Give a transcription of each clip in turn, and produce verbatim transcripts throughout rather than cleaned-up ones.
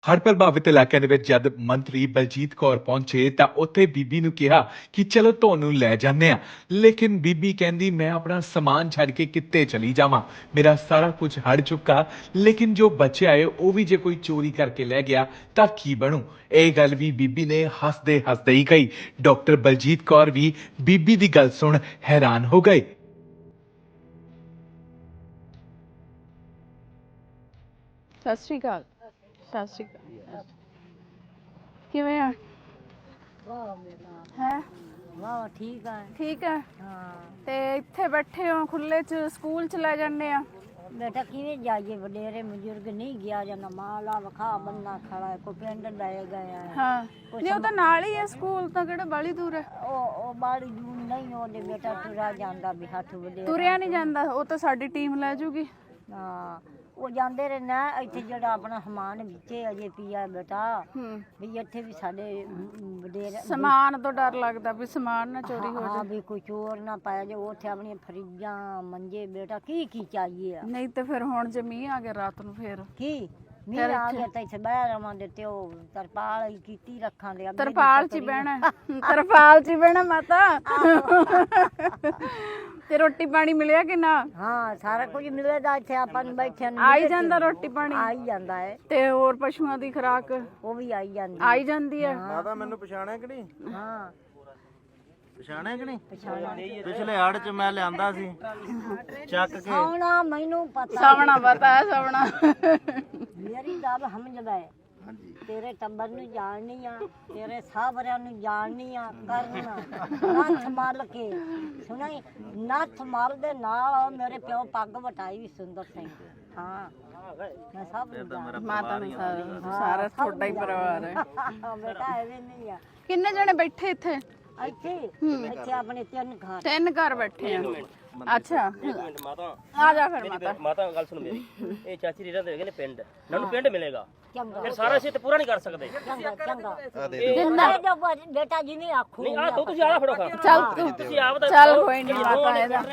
ਹੜ੍ਹ ਪ੍ਰਭਾਵਿਤ ਇਲਾਕਿਆਂ ਦੇ ਵਿੱਚ ਜਦ ਮੰਤਰੀ ਬਲਜੀਤ ਕੌਰ ਪਹੁੰਚੇ ਤਾਂ ਉੱਥੇ ਬੀਬੀ ਨੂੰ ਕਿਹਾ ਕਿ ਚਲੋ ਤੁਹਾਨੂੰ ਲੈ ਜਾਂਦੇ ਆ। ਲੇਕਿਨ ਬੀਬੀ ਕਹਿੰਦੀ ਮੈਂ ਆਪਣਾ ਸਮਾਨ ਛੱਡ ਕੇ ਕਿੱਥੇ ਚਲੀ ਜਾਵਾਂ, ਮੇਰਾ ਸਾਰਾ ਕੁਝ ਹੜ ਚੁੱਕਾ, ਲੇਕਿਨ ਜੋ ਬਚਿਆ ਏ ਉਹ ਵੀ ਜੇ ਕੋਈ ਚੋਰੀ ਕਰਕੇ ਲੈ ਗਿਆ ਤਾਂ ਕੀ ਬਣੂ। ਇਹ ਗੱਲ ਵੀ ਬੀਬੀ ਨੇ ਹੱਸਦੇ ਹੱਸਦੇ ਹੀ ਕਹੀ। ਡਾਕਟਰ ਬਲਜੀਤ ਕੌਰ ਵੀ ਬੀਬੀ ਦੀ ਗੱਲ ਸੁਣ ਹੈਰਾਨ ਹੋ ਗਏ। ਸਤਿ ਸ਼੍ਰੀ ਅਕਾਲ। ਸਤਿ ਸ਼੍ਰੀ ਅਕਾਲ। ਕਿਵੇਂ ਆ? ਹੈ ਵਾਹ ਠੀਕ ਆ। ਠੀਕ ਆ। ਹਾਂ ਤੇ ਇੱਥੇ ਬੈਠੇ ਹੋ ਖੁੱਲੇ ਚ, ਸਕੂਲ ਚ ਲੈ ਜਾਂਦੇ ਆ। ਬੇਟਾ ਕਿਵੇਂ ਜਾਈਏ, ਵਡੇਰੇ ਬਜ਼ੁਰਗ ਨਹੀਂ ਗਿਆ ਜਾਂਦਾ, ਮਾਲਾ ਵਖਾ ਬੰਨਾ ਖੜਾ ਹੈ, ਕੋਈ ਪਿੰਡ ਲੈ ਗਿਆ। ਹਾਂ ਨਹੀਂ ਉਹ ਤਾਂ ਨਾਲ ਹੀ ਆ, ਸਕੂਲ ਤਾਂ ਕਿਹੜਾ ਬਾਲੀ ਦੂਰ ਹੈ। ਉਹ ਉਹ ਬਾੜੀ ਦੂਰ ਨਹੀਂ, ਉਹਦੇ ਬੇਟਾ ਤੁਰਾ ਜਾਂਦਾ ਵੀ ਹੱਥ ਵਡੇਰੇ ਤੁਰਿਆ ਨਹੀਂ ਜਾਂਦਾ, ਉਹ ਤਾਂ ਸਾਡੀ ਟੀਮ ਲੈ ਜੂਗੀ। ਹਾਂ ਉਹ ਜਾਂਦੇ ਰਹੇ ਨਾ। ਇੱਥੇ ਜਿਹੜਾ ਆਪਣਾ ਸਮਾਨ ਵਿੱਚੇ ਅਜੇ ਪਿਆ ਬੇਟਾ, ਹੂੰ ਵੀ ਇੱਥੇ ਵੀ ਸਾਡੇ ਵਡੇਰੇ ਸਮਾਨ ਤੋਂ ਡਰ ਲੱਗਦਾ ਵੀ ਸਮਾਨ ਨਾ ਚੋਰੀ ਹੋ ਹਾਂ ਜਾਏ। ਵੀ ਕੋਈ ਚੋਰ ਨਾ ਪਾਇਆ ਜੇ। ਉੱਥੇ ਆਪਣੀਆਂ ਫਰਿੱਜਾਂ ਮੰਜੇ ਬੇਟਾ ਕੀ ਕੀ ਚਾਹੀਏ ਆ। ਨਹੀਂ ਤੇ ਫਿਰ ਹੁਣ ਜੇ ਮੀਂਹ ਆ ਗਿਆ ਰਾਤ ਨੂੰ ਫਿਰ ਕੀ ਮੀਂਹ ਆ ਗਿਆ ਤਾਂ ਇੱਥੇ ਬਹਿ ਰਵਾਂਗੇ ਤੇ ਉਹ ਤਰਪਾਲ ਹੀ ਕੀਤੀ ਰੱਖਾਂਗੇ। ਅੱਗੇ ਦੀ ਤਰਪਾਲ ਚ ਹੀ ਤਕੜੀ- ਬਹਿਣਾ, ਤਰਪਾਲ ਚ ਹੀ ਬਹਿਣਾ ਮਾਤਾ। ਤੇ ਰੋਟੀ ਪਾਣੀ ਮਿਲਿਆ ਕਿ ਨਾ? ਹਾਂ ਸਾਰਾ ਕੁਝ ਮਿਲੇਗਾ ਇੱਥੇ ਆਪਾਂ ਨੂੰ ਬੈਠਿਆਂ ਨੂੰ। ਆਈ ਜਾਂਦਾ ਰੋਟੀ ਪਾਣੀ? ਆਈ ਜਾਂਦਾ ਹੈ। ਤੇ ਹੋਰ ਪਸ਼ੂਆਂ ਦੀ ਖੁਰਾਕ ਉਹ ਵੀ ਆਈ ਜਾਂਦੀ ਆਈ ਜਾਂਦੀ ਹੈ। ਮਾਤਾ ਮੈਨੂੰ ਪਛਾਣਿਆ ਕਿ ਨਹੀਂ? ਹਾਂ ਪਛਾਣਿਆ ਕਿ ਨਹੀਂ? ਪਛਾਣਾ ਪਿਛਲੇ ਹੜ ਚ ਮੈਂ ਲਿਆਂਦਾ ਸੀ ਚੱਕ ਕੇ। ਸੌਣਾ ਮੈਨੂੰ ਪਤਾ ਸਵਣਾ ਪਤਾ ਹੈ, ਸਵਣਾ। ਮੇਰੀ ਗੱਲ ਸਮਝਦਾ ਹੈ। ਤੇਰੇ ਟੱਬਰ ਨੂੰ ਜਾਣਨੀ ਆ, ਤੇਰੇ ਸਾਹਬਰਿਆਂ ਨੂੰ ਜਾਣਨੀ ਆ। ਕਰਨਾ ਨੱਥ ਮਲ ਕੇ ਸੁਣਾਈ, ਨੱਥ ਮਲ ਦੇ ਨਾਲ ਮੇਰੇ ਪਿਓ ਪੱਗ ਵਟਾਈ ਵੀ ਸੁੰਦਰ ਸਿੰਘ। ਹਾਂ ਮੈਂ ਸਭ ਨੂੰ ਜਾਣਦੀ। ਮਾਤਾ ਨੂੰ ਸਾਰਾ ਸਾਰਾ ਤੁਹਾਡਾ ਹੀ ਪਰਿਵਾਰ ਹੈ। ਬੇਟਾ ਐਵੇਂ ਨਹੀਂ ਆ। ਕਿੰਨੇ ਜਣੇ ਬੈਠੇ ਇੱਥੇ? ਇੱਥੇ ਇੱਥੇ ਆਪਣੇ ਤਿੰਨ ਘਰ। ਤਿੰਨ ਘਰ ਬੈਠੇ ਆ। ਅੱਛਾ ਮਾਤਾ ਆ ਜਾ ਫਿਰ ਮਾਤਾ। ਮਾਤਾ ਗੱਲ ਸੁਣ ਮੇਰੀ। ਇਹ ਚਾਚੀ ਰੀਰਾ ਦੇ ਹੈਗੇ ਨੇ ਪਿੰਡ, ਨਾਨੂੰ ਪਿੰਡ ਮਿਲੇਗਾ। ਚੰਗਾ ਫਿਰ ਸਾਰਾ ਅਸੀਂ ਤੇ ਪੂਰਾ ਨਹੀਂ ਕਰ ਸਕਦੇ। ਚੰਗਾ ਚੰਗਾ ਜਿੰਨਾ ਇਹ ਜੋ ਬ- ਬੇਟਾ ਜਿਵੇਂ ਆਖੂ ਨਹੀਂ ਆ ਤੂੰ ਤੁਸੀਂ ਆਲਾ ਫੜੋ ਖਾ। ਚੱਲ ਤੂੰ ਤੁਸੀਂ ਆਪ ਤਾਂ ਚੱਲ ਕੋਈ ਨਹੀਂ ਮਾਤਾ ਇਹਦਾ।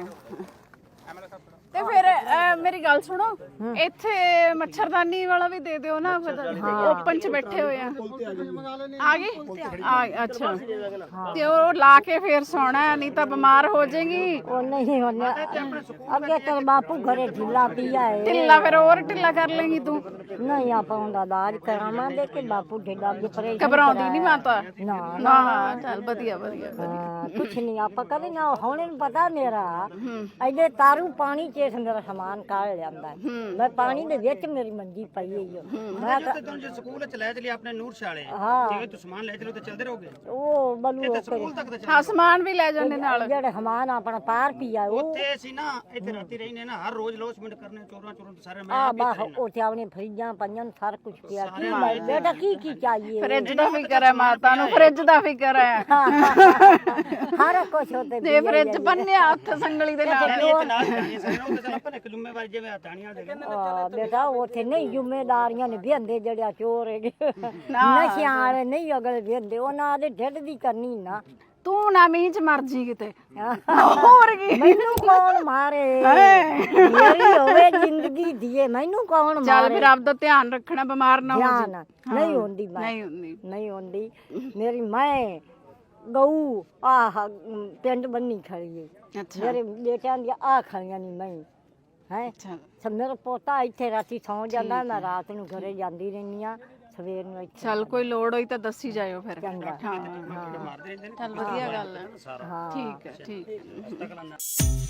ਤੇ ਫਿਰ ਅਹ, ਮੇਰੀ ਗੱਲ ਸੁਣੋ, ਇੱਥੇ ਮੱਛਰਦਾਨੀ ਵਾਲਾ ਵੀ ਦੇ ਦਿਓ ਨਾ, ਓਪਨ ਚ ਬੈਠੇ ਹੋਏ ਆ। ਆ ਗਏ ਆ ਅੱਛਾ। ਤੇ ਉਹ ਲਾ ਕੇ ਫੇਰ ਸੌਣਾ ਹੈ, ਨਹੀਂ ਤਾਂ ਬਿਮਾਰ ਹੋ ਜਾਏਗੀ। ਉਹ ਨਹੀਂ ਹੋਣਾ। ਅੱਗੇ ਤੇਰੇ ਬਾਪੂ ਘਰੇ ਢਿੱਲਾ ਪਿਆ ਹੈ। ਢਿੱਲਾ ਫਿਰ ਹੋਰ ਢਿੱਲਾ ਕਰ ਲੇਗੀ ਤੂੰ। ਨਹੀਂ ਆਪਾਂ ਉਹਦਾ ਇਲਾਜ ਕਰਾਵਾਂਗੇ ਕਿ ਬਾਪੂ ਢਿੱਲਾ ਅੱਗੇ ਪਰੇਸ਼ਾਨ ਘਬਰਾਉਂਦੀ ਨਹੀਂ ਮਾਤਾ? ਨਾ ਨਾ ਨਾ ਚੱਲ ਵਧੀਆ ਵਧੀਆ। ਹਾਂ, ਕੁਛ ਨਹੀਂ ਆਪਾਂ ਕਦੇ ਨਾ ਹੁਣ ਇਹਨੂੰ ਪਤਾ ਮੇਰਾ ਐਡੇ ਤਾਰੂ ਪਾਣੀ ਚ ਮੇਰਾ ਸਮਾਨ ਕਾੜ ਲਿਆਂਦਾ। ਮੈਂ ਪਾਣੀ ਦੇ ਵਿੱਚ ਮੇਰੀ ਮੰਜੀ ਪਈ ਹੋਈ ਓ। ਮੈਂ ਤਾਂ- ਤੁਹਾਨੂੰ ਜੇ ਸਕੂਲ ਚ ਲੈ ਚਲੀ ਆਪਣੇ ਨੂਰ ਸ਼ਾਲੇ, ਹਾਂ ਜੇ ਤੁਸੀਂ ਸਮਾਨ ਲੈ ਚਲੋ ਤੇ ਚੱਲਦੇ ਰਹੋਗੇ ਉਹ ਬਲੂ ਉਹ ਸਕੂਲ ਤੱਕ ਤਾਂ ਹਾਂ ਸਮਾਨ ਵੀ ਲੈ ਜਾਂਦੇ ਨਾਲ। ਜਿਹੜੇ ਸਮਾਨ ਆਪਣਾ ਪਾਰ ਪੀਆ ਉਹ ਉੱਥੇ ਅਸੀਂ ਨਾ ਇੱਥੇ ਰਾਤੀ ਰਹਿਨੇ ਨਾ, ਹਰ ਰੋਜ਼ ਲੋਸਮੈਂਟ ਕਰਨੇ, ਚੋਰਾਂ ਚੋਰਾਂ ਤੋਂ ਸਾਰੇ। ਆ ਮੈਂ ਵੀ ਬਾਹ ਉੱਥੇ ਆਪਣੀ ਫਰਿੱਜਾਂ ਪਈਆਂ ਨੇ, ਸਾਰਾ ਕੁਝ ਪਿਆ। ਕੀ ਲੈ ਬੇਟਾ ਕੀ ਕੀ ਚਾਹੀਏ? ਫਰਿੱਜ ਦਾ ਫਿਕਰ ਹੈ ਮਾਤਾ ਨੂੰ, ਫਰਿੱਜ ਦਾ ਫਿਕਰ ਹੈ। ਸਾਰਾ ਕੁਝ ਉੱਤੇ ਤੇ ਫਰਿੱਜ ਬੰਨਿਆ ਹੱਥ ਸੰਗਲੀ ਦੇ ਨਾਲ। ਇਹ ਨਾਲ ਜਾਣੀ ਸਾਰੇ ਉਹ ਤਾਂ ਆਪਾਂ ਨੇ ਇੱਕ ਜ਼ਿੰਮੇਵਾਰੀ ਜਿਵੇਂ ਹਤਾਣੀਆਂ ਦੇ ਆ ਬੇਟਾ ਉੱਥੇ ਨਹੀਂ ਜ਼ਿੰਮੇਦਾਰੀਆਂ ਨੇ ਵਿਹੰਦੇ ਜਿਹੜਾ ਚੋਰ ਹੈਗੇ ਨਸ਼ਿਆਂ ਵਾਲੇ ਨਹੀਂ ਅਗਲੇ ਵਿਹੰਦੇ, ਉਹਨਾਂ ਦੇ ਢਿੱਡ ਦੀ ਕਰਨੀ ਨਾ। ਤੂੰ ਨਾ ਮੀਂਹ ਚ ਮਰ ਜੀ ਕਿਤੇ। ਹੋਰ ਕੀ ਮੈਨੂੰ ਕੌਣ ਮਾਰੇ? ਮੇਰੀ ਹੋਵੇ ਜ਼ਿੰਦਗੀ ਦੀਏ, ਮੈਨੂੰ ਕੌਣ ਚੱਲ ਮਾਰੇ? ਫਿਰ ਆਪਦਾ ਧਿਆਨ ਰੱਖਣਾ, ਬਿਮਾਰ ਨਾ ਹੋ ਧਿਆਨ ਜਾ। ਨਹੀਂ ਹੁੰਦੀ ਮੈਂ ਨਹੀਂ ਹੁੰਦੀ। ਨਹੀਂ ਹੁੰਦੀ ਮੇਰੀ ਮੈਂ ਗਊ ਆਹ ਪਿੰਡ ਬੰਨੀ ਖੜੀ ਹੈ। ਅੱਛਾ ਮੇਰੇ ਬੇਟਿਆਂ ਦੀਆਂ ਆ ਖੜੀਆਂ ਨਹੀਂ ਮੈਂ ਹੈ। ਅੱਛਾ ਮੇਰਾ ਪੋਤਾ ਇੱਥੇ ਰਾਤੀ ਸੌਂ ਜਾਂਦਾ, ਮੈਂ ਰਾਤ ਨੂੰ ਘਰੇ ਜਾਂਦੀ ਰਹਿੰਦੀ ਆ, ਸਵੇਰ ਨੂੰ ਇੱਥੇ। ਚੱਲ ਕੋਈ ਲੋੜ ਹੋਈ ਤਾਂ ਦੱਸੀ ਜਾਇਓ ਫਿਰ। ਚੰਗਾ। ਹਾਂ ਚੱਲ ਵਧੀਆ ਗੱਲ ਹੈ। ਹਾਂ ਠੀਕ ਹੈ ਠੀਕ ਹੈ।